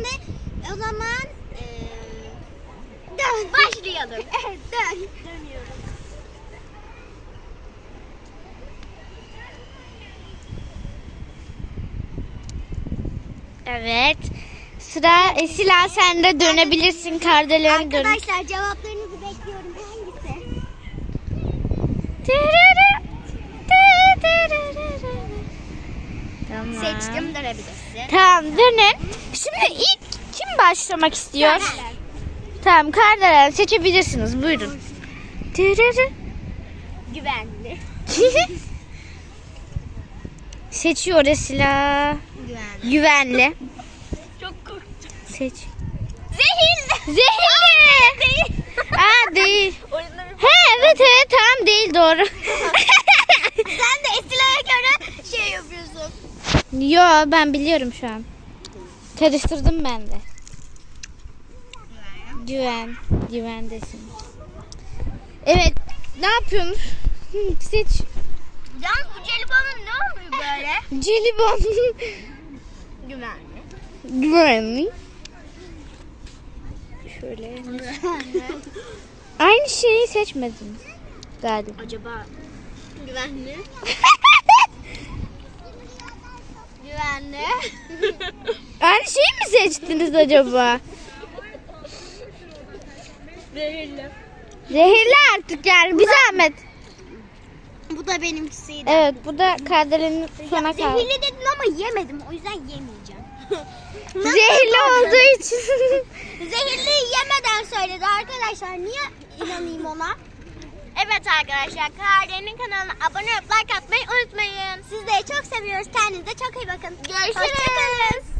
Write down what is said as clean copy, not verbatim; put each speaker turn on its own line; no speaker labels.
Şimdi o zaman dön. Başlayalım. Evet, dön. Dönüyorum.
Evet. Sıra Esila, sen de dönebilirsin. Kardelen dön.
Arkadaşlar cevaplarınızı bekliyorum. Hangisi?
Tamam.
Seçtim, dönebilirsin.
Tamam, dönün. Şimdi ilk kim başlamak istiyor?
Kardelen.
Tamam, Kardelen seçebilirsiniz. Buyurun.
Güvenli.
Seçiyor Esila.
Güvenli.
Güvenli.
Çok korktum.
Seç.
Zehirli.
Zehirli.
Değil.
Aa, değil.
Oyunları...
He, evet tamam, değil, doğru.
Sen de Esra'ya göre şey yapıyorsun.
Yo, ben biliyorum şu an. Karıştırdım ben de. Güvendesin. Evet, ne yapıyorsun? Seç.
Can, bu jelibonun ne oluyor böyle?
Jelibon.
Güvenli.
Güvenli. Şöyle. Aynı şeyi seçmediniz galiba.
Acaba güvenli? Güvenli.
Aynı şeyi mi seçtiniz acaba?
Zehirli.
Zehirli artık yani, bir zahmet.
Bu da benimkisiydi.
Evet, bu da Kardelen'in sona kaldı.
Zehirli dedin ama yemedim. O yüzden yemeyeceğim.
Zehirli olduğu için.
Zehirliyi yemeden söyledi arkadaşlar. Niye inanayım ona? Evet arkadaşlar, Kardelen'in kanalına abone olup like atmayı unutmayın. Sizleri çok seviyoruz. Kendinize çok iyi bakın. Görüşürüz. Hoşçakalın.